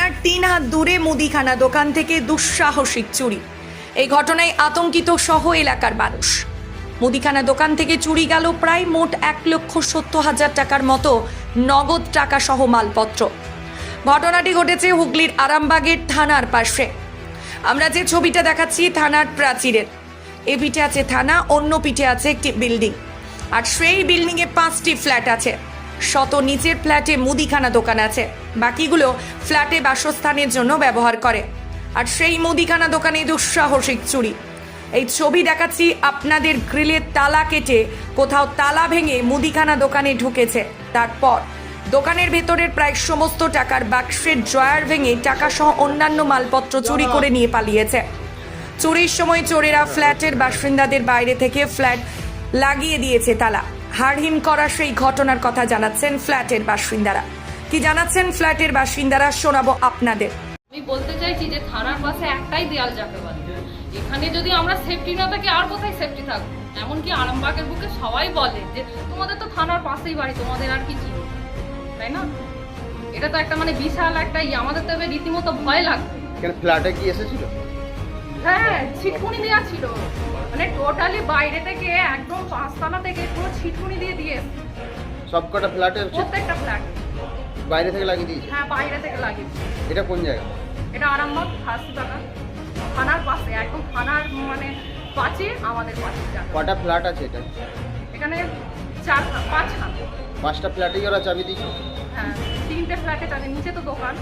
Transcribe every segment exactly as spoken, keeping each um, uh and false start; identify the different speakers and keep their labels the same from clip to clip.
Speaker 1: থানার তিন হাত দূরে মুদিখানা দোকান থেকে দুঃসাহসিক চুরি। এই ঘটনায় আতঙ্কিত সহ এলাকার মানুষ। মুদিখানা দোকান থেকে চুরি গেল প্রায় মোট এক লক্ষ সত্তর হাজার টাকার মতো নগদ টাকা সহ মালপত্র। ঘটনাটি ঘটেছে হুগলির আরামবাগের থানার পাশে। আমরা যে ছবিটা দেখাচ্ছি থানার প্রাচীরের, এ পিঠে আছে থানা, অন্য পিঠে আছে একটি বিল্ডিং, আর সেই বিল্ডিংয়ে পাঁচটি ফ্ল্যাট আছে। শত নিচের ফ্ল্যাটে মুদিখানা দোকান আছে, বাকিগুলো ফ্ল্যাটে বাসস্থানের জন্য ব্যবহার করে। আর সেই মুদিখানা দোকানে দুঃসাহসিক চুরি। এই ছবি দেখাচ্ছি আপনাদের। গ্রিলের তালা কেটে কোথাও তালা ভেঙে মুদিখানা দোকানে ঢুকেছে। তারপর দোকানের ভেতরের প্রায় সমস্ত টাকার বাক্সের ড্রয়ার ভেঙে টাকা সহ অন্যান্য মালপত্র চুরি করে নিয়ে পালিয়েছে। চুরির সময় চোরেরা ফ্ল্যাটের বাসিন্দাদের বাইরে থেকে ফ্ল্যাট লাগিয়ে দিয়েছে তালা। হাড়হিম করা সেই ঘটনার কথা জানাচ্ছেন ফ্ল্যাটের বাসিন্দারা। কি জানাচ্ছেন ফ্ল্যাটের বাসিন্দারা শোনাবো আপনাদের।
Speaker 2: আমি বলতে চাইছি যে থানার পাশে একটাই দেয়াল যাকে বলে, এখানে যদি আমরা সেফটি না থাকি আর কোথায় সেফটি থাকবো? এমনকি আরামবাগের বুকে সবাই বলে যে তোমাদের তো থানার পাশেই বাড়ি, তোমাদের আর কি চিনি, তাই না? এটা তো একটা মানে বিশাল একটা ই, আমাদের তো এবার রীতিমতো ভয় লাগবে।
Speaker 3: কেন ফ্ল্যাটে কি এসেছিল?
Speaker 2: হ্যাঁ, ছিটকুনি দেওয়া ছিল, মানে টোটালি বাইরে থেকে একদম পাঁচতলা থেকে পুরো ছিটকুনি দিয়ে দিয়ে
Speaker 3: সবকটা ফ্ল্যাটে
Speaker 2: প্রত্যেকটা ফ্ল্যাট
Speaker 3: বাইরে থেকে লাগিয়ে দিয়েছে?
Speaker 2: হ্যাঁ, বাইরে থেকে লাগিয়ে।
Speaker 3: এটা কোন জায়গা?
Speaker 2: এটা আরামবাগ ফাঁসি বাগান, থানার পাশে, একদম থানার মানে পাশে আমাদের পাশে।
Speaker 3: কটা ফ্ল্যাট আছে এটা?
Speaker 2: এখানে চার পাঁচ খান।
Speaker 3: পাঁচটা ফ্ল্যাটেই ওরা চাবি দিয়েছে?
Speaker 2: হ্যাঁ, তিনটে ফ্ল্যাটে চাবি, নিচে তো দোকান।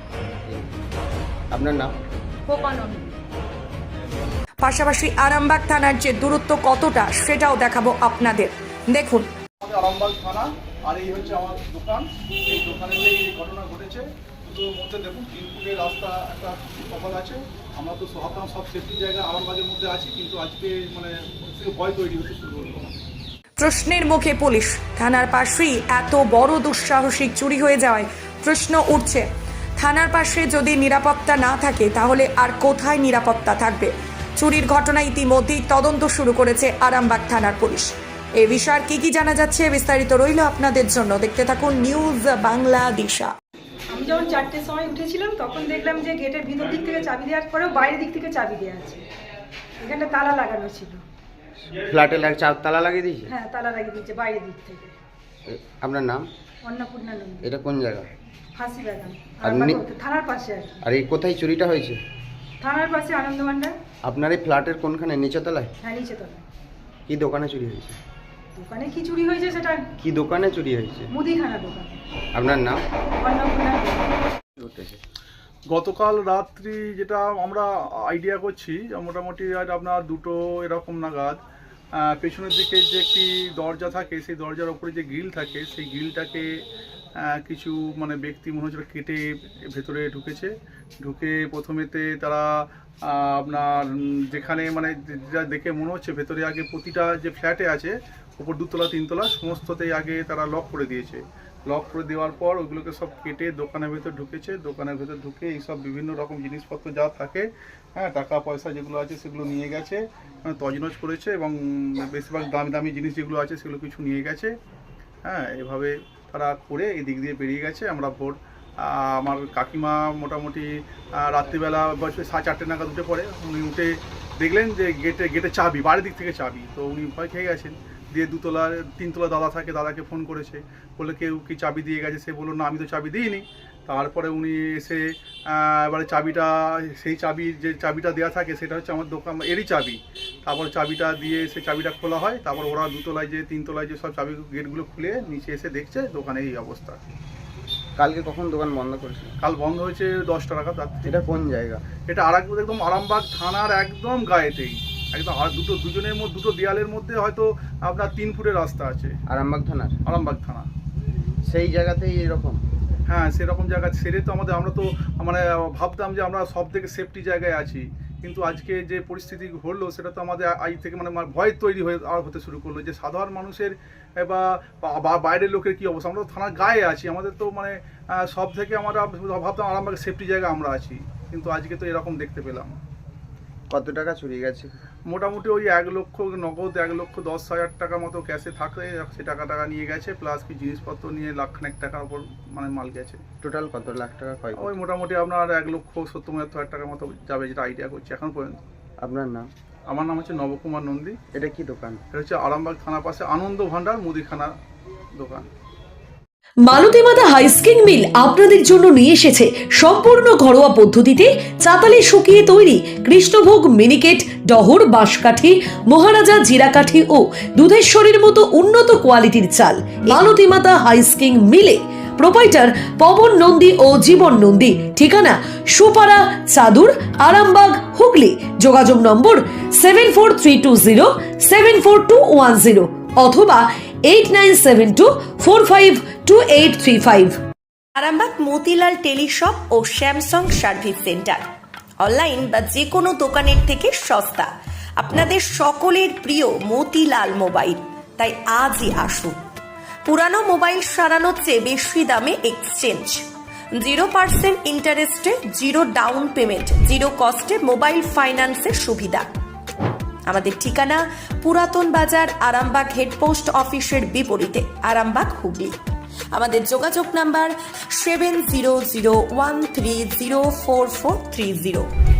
Speaker 3: আপনার নাম?
Speaker 2: কোপানন্দ।
Speaker 1: পাশাপাশি আরামবাগ থানার যে দূরত্ব কতটা সেটাও দেখাবো আপনাদের, দেখুন।
Speaker 4: আরামবাগ থানা, আর এই হচ্ছে আমার দোকান। এই দোকানে এই ঘটনা ঘটেছে। তো মধ্যে দেখুন তিন ফুটের রাস্তা একটা সকাল আছে। আমরা তো ভাবতাম সব সেফটি জায়গা আরামবাগের মধ্যে আছি, কিন্তু আজকে মানে ভয় তৈরি হতে শুরু করলো।
Speaker 1: প্রশ্নের মুখে পুলিশ। থানার পাশেই এত বড় দুঃসাহসিক চুরি হয়ে যাওয়ায় প্রশ্ন উঠছে, থানার পাশে যদি নিরাপত্তা না থাকে তাহলে আর কোথায় নিরাপত্তা থাকবে? চুরির ঘটনায় ইতিমধ্যেই তদন্ত শুরু করেছে আরামবাগ থানার পুলিশ। এ বিষয়ে কি কি জানা যাচ্ছে বিস্তারিত রইল আপনাদের জন্য, দেখতে থাকুন নিউজ বাংলা দিশা।
Speaker 5: আমি যখন চারটের সময় উঠেছিলাম তখন দেখলাম যে গেটের ভিতর দিক থেকে চাবি দেওয়ার পরেও বাইরের দিক থেকে চাবি দেওয়া আছে। এখানটা তালা লাগানো ছিল।
Speaker 3: ফ্ল্যাটে তালা লাগিয়ে দিয়েছে?
Speaker 5: হ্যাঁ, তালা লাগিয়ে দিয়েছে বাইরের দিক থেকে।
Speaker 3: আপনার নাম?
Speaker 5: অন্নপূর্ণা নন্দী।
Speaker 3: এটা কোন জায়গা?
Speaker 5: ফাঁসি বাগান,
Speaker 3: আর
Speaker 5: থানার পাশে আর কি।
Speaker 3: আর এই কোথায় চুরিটা হয়েছে?
Speaker 5: থানার পাশে আনন্দভান্ডার।
Speaker 3: আপনার এই ফ্ল্যাটের কোনখানে? নিচতলায়?
Speaker 5: হ্যাঁ, নিচে তলায়।
Speaker 3: কি দোকানে চুরি হয়েছে?
Speaker 5: দোকানে কি চুরি হয়েছে সেটা?
Speaker 3: কি দোকানে চুরি হয়েছে?
Speaker 5: মুদিখানা দোকান।
Speaker 3: আপনার নাম?
Speaker 5: অন্নপূর্ণা নন্দী।
Speaker 4: গতকাল রাত্রি যেটা আমরা আইডিয়া করছি, মোটামুটি আর আপনার দুটো এরকম নাগাদ পেছনের দিকে যে একটি দরজা থাকে, সেই দরজার ওপরে যে গ্রিল থাকে, সেই গ্রিলটাকে কিছু মানে ব্যক্তি মনে হচ্ছে কেটে ভেতরে ঢুকেছে। ঢুকে প্রথমেতে তারা আপনার যেখানে মানে যেটা দেখে মনে হচ্ছে ভেতরে আগে প্রতিটা যে ফ্ল্যাটে আছে ওপর দুতলা তিনতলা সমস্ততেই আগে তারা লক করে দিয়েছে। লক করে দেওয়ার পর ওইগুলোকে সব কেটে দোকানের ভেতর ঢুকেছে। দোকানের ভেতর ঢুকে এইসব বিভিন্ন রকম জিনিসপত্র যা থাকে, হ্যাঁ, টাকা পয়সা যেগুলো আছে সেগুলো নিয়ে গেছে, মানে তছনছ করেছে, এবং বেশিরভাগ দামি দামি জিনিস যেগুলো আছে সেগুলো কিছু নিয়ে গেছে। হ্যাঁ, এভাবে তারা করে এই দিক দিয়ে বেরিয়ে গেছে। আমরা ভোর আমার কাকিমা মোটামুটি রাত্রিবেলা বছর সাড়ে চারটে নাগাদ উঠে পড়ে। উনি উঠে দেখলেন যে গেটে গেটে চাবি, বাড়ির দিক থেকে চাবি। তো উনি ভয় খেয়ে গেছেন। দিয়ে দুতলার তিনতলা দাদা থাকে, দাদাকে ফোন করেছে, বলে কেউ কি চাবি দিয়ে গেছে? সে বললো না, আমি তো চাবি দিইনি। তারপরে উনি এসে এবারে চাবিটা, সেই চাবি যে চাবিটা দেওয়া থাকে সেটা হচ্ছে আমার দোকান এরই চাবি। তারপর চাবিটা দিয়ে সেই চাবিটা খোলা হয়। তারপর ওরা দুতলায় যে তিনতলায় যে সব চাবি গেটগুলো খুলে নিচে এসে দেখছে দোকানে এই অবস্থা।
Speaker 3: কালকে কখন দোকান বন্ধ করেছিল?
Speaker 4: কাল বন্ধ হয়েছে দশটা নাগাদ রাত্রে।
Speaker 3: এটা কোন জায়গা?
Speaker 4: এটা আর একদম আরামবাগ থানার একদম গায়েতেই, একদম আর দুটো দুজনের মধ্যে দুটো দেয়ালের মধ্যে হয়তো আপনার তিন ফুটের রাস্তা আছে।
Speaker 3: আরামবাগ থানার?
Speaker 4: আরামবাগ থানা
Speaker 3: সেই জায়গাতেই এরকম?
Speaker 4: হ্যাঁ, সেরকম জায়গা সেরে তো আমাদের, আমরা তো মানে ভাবতাম যে আমরা সব থেকে সেফটি জায়গায় আছি, কিন্তু আজকে যে পরিস্থিতি হলো সেটা তো আমাদের আজ থেকে মানে ভয় তৈরি হয়ে আর হতে শুরু করলো যে সাধারণ মানুষের বা বাইরের লোকের কী অবস্থা। আমরা তো থানার গায়ে আছি, আমাদের তো মানে সব থেকে আমরা ভাবতাম আরামবাগের সেফটি জায়গা আমরা আছি, কিন্তু আজকে তো এরকম দেখতে পেলাম।
Speaker 3: কত টাকা চুরি গেছে?
Speaker 4: মোটামুটি ওই এক লক্ষ নগদ এক লক্ষ দশ হাজার টাকা মতো ক্যাশে থাকে, সে টাকা টাকা নিয়ে গেছে, প্লাস কি জিনিসপত্র নিয়ে লাখ খানেক টাকার উপর মানে মাল গেছে।
Speaker 3: টোটাল কত লাখ টাকা ক্ষয়?
Speaker 4: ওই মোটামুটি আপনার এক লক্ষ সত্তর হাজার টাকার মতো যাবে, যেটা আইডিয়া করছি এখন পর্যন্ত।
Speaker 3: আপনার নাম?
Speaker 4: আমার নাম হচ্ছে নবকুমার নন্দী।
Speaker 3: এটা কি দোকান?
Speaker 4: এটা হচ্ছে আরামবাগ থানার পাশে আনন্দ ভান্ডার মুদিখানা দোকান।
Speaker 6: মালতীমাতা হাইস্কিং মিল আপনাদের জন্য নিয়ে এসেছে সম্পূর্ণ ঘরোয়া পদ্ধতিতে চাতালে শুকিয়ে তৈরি কৃষ্ণভোগ মিনিকেট, ডহর, বাঁশকাঠি, মহারাজা জিরাকাঠি ও দুধেশ্বরীর মতো উন্নত কোয়ালিটির চাল। মালতীমাতা হাইস্কিং মিলে প্রোপাইটার পবন নন্দী ও জীবন নন্দী। ঠিকানা সুপারা চাদুর, আরামবাগ, হুগলি। যোগাযোগ নম্বর seven four three two zero seven four two one zero অথবা eight nine seven two four five two eight three five.
Speaker 1: Arambagh Motilal teleshop ও স্যামসাং সার্ভিস সেন্টার অনলাইন বা যে কোনো দোকানের থেকে সস্তা। আপনাদের সকলের প্রিয় মতিলাল মোবাইল, তাই আজই আসুন। পুরানো মোবাইল সারানোর চেয়ে বেশি দামে এক্সচেঞ্জ, জিরো পার্সেন্ট ইন্টারেস্টে, জিরো ডাউন পেমেন্ট, জিরো কস্টে মোবাইল ফাইন্যান্সের সুবিধা। আমাদের ঠিকানা পুরাতন বাজার, আরামবাগ হেডপোস্ট অফিসের বিপরীতে, আরামবাগ, হুগলি। আমাদের যোগাযোগ number seven zero zero one three zero four four three zero.